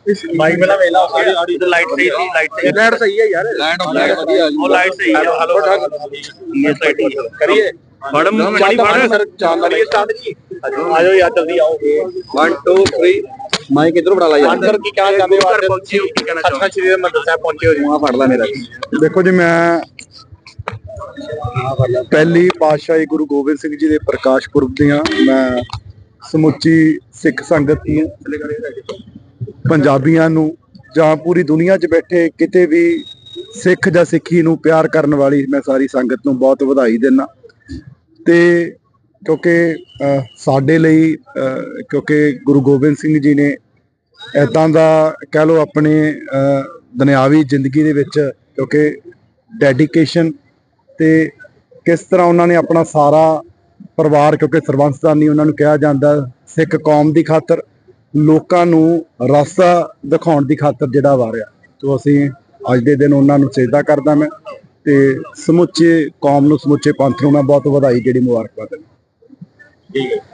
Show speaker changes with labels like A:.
A: Bike ਪਹਿਲਾਂ ਵੇਲਾ ਸਾਡੀ ਲਾਈਟ ਸਹੀ ਸੀ ਲਾਈਟ ਸਹੀ ਹੈ ਯਾਰ ਲਾਈਟ ਵਧੀਆ ਉਹ ਲਾਈਟ ਸਹੀ ਹੈ ਹਲੋ ਇਹ ਸਾਈਡ ਕਰੀਏ ਫੜ ਮਣੀ ਫੜ ਸਰ ਚਾਲ ਕਰੀਏ ਸਟਾਰਟ ਜੀ ਆਜੋ ਯਾਰ ਜਲਦੀ ਆਓ 1 2 3 ਮਾਈਕ ਇਧਰ ਬੜਾ ਲਾ ਯਾਰ ਅੰਦਰ ਕੀ ਕਹਿਣਾ ਚਾਹੁੰਦੇ ਹੋ ਘਰ ਪਹੁੰਚੇ ਹੋ ਕੀ ਕਹਿਣਾ ਚਾਹੁੰਦੇ ਹੋ ਸ੍ਰੀ ਹਰਿਮੰਦਰ ਸਾਹਿਬ ਪਹੁੰਚੇ ਹੋ ਜੀ ਆ ਫੜ ਲੈ ਮੇਰਾ
B: ਦੇਖੋ ਜੀ ਮੈਂ ਪਹਿਲੀ ਪਾਤਸ਼ਾਹੀ ਗੁਰੂ ਗੋਬਿੰਦ ਸਿੰਘ ਜੀ ਦੇ ਪ੍ਰਕਾਸ਼ ਪੁਰਬ ਦੀਆਂ ਮੈਂ ਸਮੁੱਚੀ ਸਿੱਖ ਸੰਗਤ ਨੂੰ ਪੰਜਾਬੀਆਂ ਨੂੰ ਜਾਂ ਪੂਰੀ ਦੁਨੀਆ 'ਚ ਬੈਠੇ ਕਿਤੇ ਵੀ ਸਿੱਖ ਜਾਂ ਸਿੱਖੀ ਨੂੰ ਪਿਆਰ ਕਰਨ ਵਾਲੀ ਮੈਂ ਸਾਰੀ ਸੰਗਤ ਨੂੰ ਬਹੁਤ ਵਧਾਈ ਦਿੰਦਾ ਤੇ ਕਿਉਂਕਿ ਸਾਡੇ ਲਈ ਕਿਉਂਕਿ ਗੁਰੂ ਗੋਬਿੰਦ ਸਿੰਘ ਜੀ ਨੇ ਇੱਦਾਂ ਦਾ ਕਹਿ ਲਓ ਆਪਣੇ ਦੁਨਿਆਵੀ ਜ਼ਿੰਦਗੀ ਦੇ ਵਿੱਚ ਕਿਉਂਕਿ ਡੈਡੀਕੇਸ਼ਨ ਤੇ ਕਿਸ ਤਰ੍ਹਾਂ ਉਹਨਾਂ ਨੇ ਆਪਣਾ ਸਾਰਾ ਪਰਿਵਾਰ ਕਿਉਂਕਿ ਸਰਬੰਸਦਾਨੀ ਉਹਨਾਂ ਨੂੰ ਕਿਹਾ ਜਾਂਦਾ ਸਿੱਖ ਕੌਮ ਦੀ ਖਾਤਰ ਲੋਕਾਂ ਨੂੰ ਰਸਤਾ ਦਿਖਾਉਣ ਦੀ ਖਾਤਰ ਜਿਹੜਾ ਵਾਰਿਆ ਤੋਂ ਅਸੀਂ ਅੱਜ ਦੇ ਦਿਨ ਉਹਨਾਂ ਨੂੰ ਸਜਦਾ ਕਰਦਾ ਮੈਂ ਤੇ ਸਮੁੱਚੇ ਕੌਮ ਨੂੰ ਸਮੁੱਚੇ ਪੰਥ ਨੂੰ ਮੈਂ ਬਹੁਤ ਵਧਾਈ ਜਿਹੜੀ ਮੁਬਾਰਕਬਾਦ ਦਿੰਦਾ। ਠੀਕ ਹੈ।